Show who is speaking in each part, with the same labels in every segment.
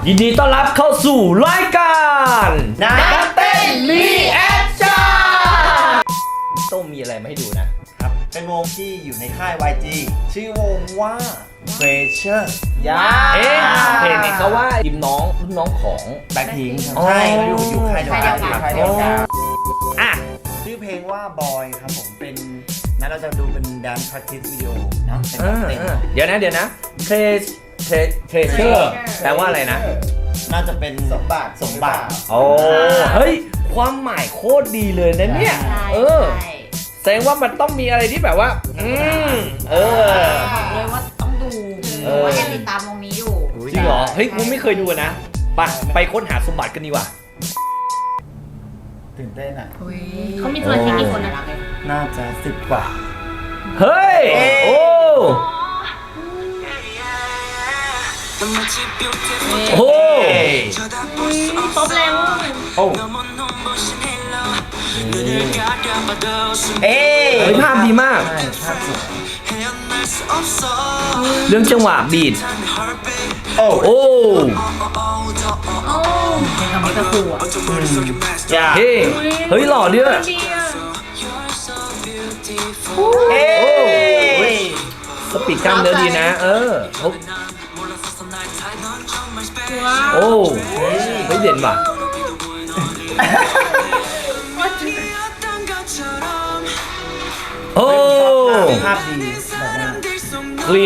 Speaker 1: ยินดีต้อนรับเข้าสู่รายการนักเต้นรีแอคชั่นต้องมีอะไรมาให้ดูนะครับ
Speaker 2: เป็นวงที่อยู่ในค่าย YG ชื่อวงว่า Treasure
Speaker 1: เอ๊ะเห็นเขาว่าทีมน้องรุ่นน้องของ
Speaker 2: แบ็คพิงค์ใช่อยู่ค่ายเดียวกัน
Speaker 1: อ่ะ
Speaker 2: ชื่อเพลงว่า Boy ครับผมเป็นนั้นเราจะดูเป็น Dance Practice Video เนาะเป็นเต้น
Speaker 1: เดี๋ยวนะTreasure แปลว่าอะไรนะ
Speaker 2: น่าจะเป็นสมบัติ
Speaker 1: โอ้เฮ้ยความหมายโคตรดีเลยนะเนี่ยแสดงว่ามันต้องมีอะไรที่แบบว่า
Speaker 3: บอกเลยว่าต้องดูว่ายังติดตามวงนี้อยู่
Speaker 1: จริงเหรอเฮ้ยกูไม่เคยดูนะไปค้นหาสมบัติกันดีกว่า
Speaker 2: ตื่นเต้นอ่ะ
Speaker 3: เขามีสมาชิกกี่คนนะ
Speaker 2: น่าจะ10 กว่า
Speaker 1: เฮ้ยโอ้โอ้
Speaker 3: ตบแล้ว
Speaker 1: โอ้เฮ้ยภาพดีมาก
Speaker 2: ภาพสวย
Speaker 1: เรื่องจังหวะบีทโอ้
Speaker 3: เพลงคำนี้ก็คูอ่ะ
Speaker 1: เฮ้ยหล่อด้วยสปีดกล้ามเนื้อดีนะโอ้เฮ้ยเด่นว่ะโอ้
Speaker 2: ภาพดี
Speaker 1: คลีน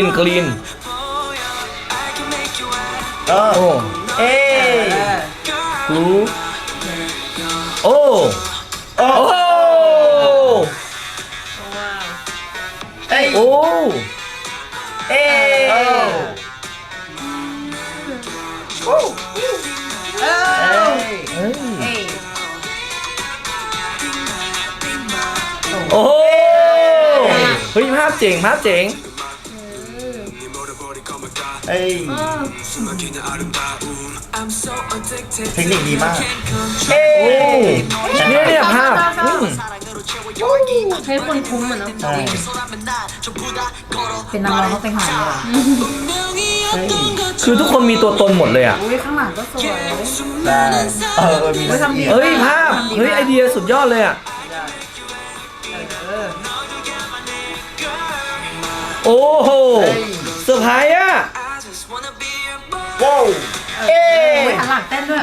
Speaker 1: โอ้กูโอ้โอ้โอ้โอ้เฮ้ยภาพเจ๋ง
Speaker 2: เทคนิคดีมาก
Speaker 1: เนี่ยภาพ
Speaker 3: ให้คนคุ้มเหมือนน้องเป็นนักร้องต้องเป็นหาง
Speaker 1: คือทุกคนมีตัวตนหมดเลยอ่ะ
Speaker 3: ข้างหลังก็สวย
Speaker 1: เฮ้ยภาพเฮ้ยไอเดียสุดยอดเลยอ่ะโอ้โหเซอร์ไพรส์อ่ะ
Speaker 2: ว้าว
Speaker 3: หันหลังเต้นด้วย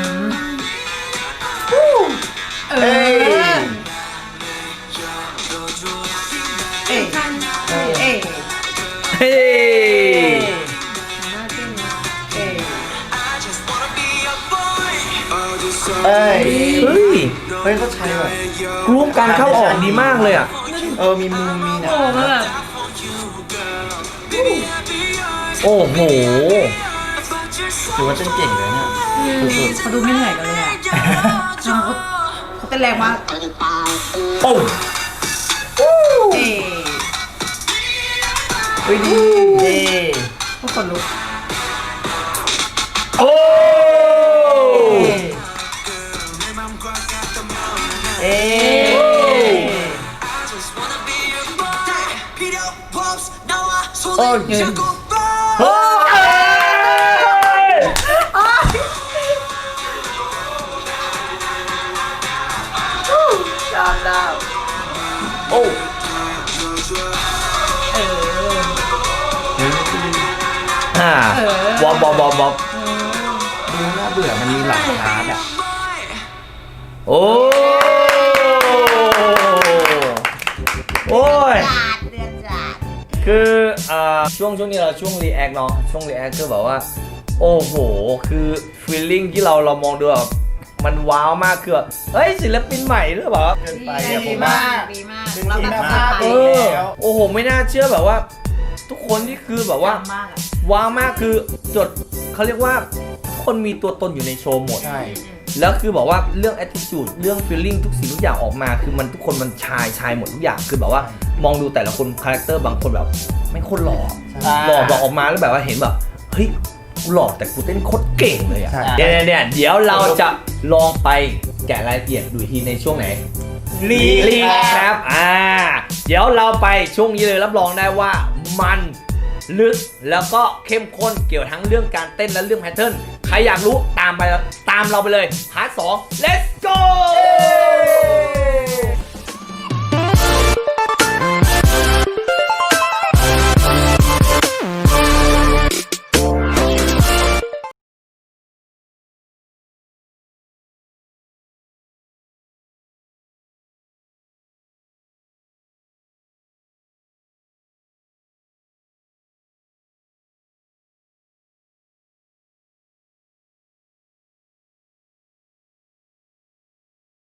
Speaker 2: เฮ้ยเขาใช้แบบ
Speaker 1: กรุ๊ปการเข้าออกดีมากเลยอ่ะ
Speaker 2: มีมุมมีนะ
Speaker 1: โอ้โห
Speaker 2: ถือว่าเต้นเก่งเลยเนี่ย
Speaker 3: เขาดูไม่เหนื่อยกันเลยอ่ะเขาเต้นแรงมาก
Speaker 1: โอ้
Speaker 3: ดีทุกคนลุก
Speaker 1: โอ้
Speaker 2: โอ้ย
Speaker 1: โอ้วอบบ
Speaker 2: ดูน่าเบื่อมันมีหลักฐานอ่ะ
Speaker 1: โอ้ยคือช่วงนี้เราช่วงรีแอคเนาะช่วงรีแอคคือแบบว่าโอ้โหคือฟีลลิ่งที่เรามองดูแบบมันว้าวมากคือเฮ้ยศิลปินใหม่หรือเปล่า
Speaker 2: เกินไป
Speaker 3: ดีมาก
Speaker 2: เราแบบ
Speaker 1: โอ้โหไม่น่าเชื่อแบบว่าทุกคนที่คือแบบว่าว้าวมากคือจดเขาเรียกว่าคนมีตัวตนอยู่ในโชว์หมดแล้วคือบอกว่าเรื่อง attitude เรื่อง feeling ทุกสิ่งทุกอย่างออกมาคือมันทุกคนมันชายหมดทุกอย่างคือแบบว่ามองดูแต่ละคนคาแรคเตอร์บางคนแบบไม่คนหล่อออกมาแล้วแบบว่าเห็นแบบเฮ้ยกูหล่อแต่กูเต้นโคตรเก่งเลยอ่ะเนี่ยเดี๋ยวเราจะลองไปแกะรายละเอียดดูทีในช่วงไหนรีครับเดี๋ยวเราไปช่วงนี้เลยรับรองได้ว่ามัน ลึกแล้วก็เข้มข้นเกี่ยวทั้งเรื่องการเต้นและเรื่องแพทเทิร์นใครอยากรู้ตามเราไปเลยพาร์ท 2 let's go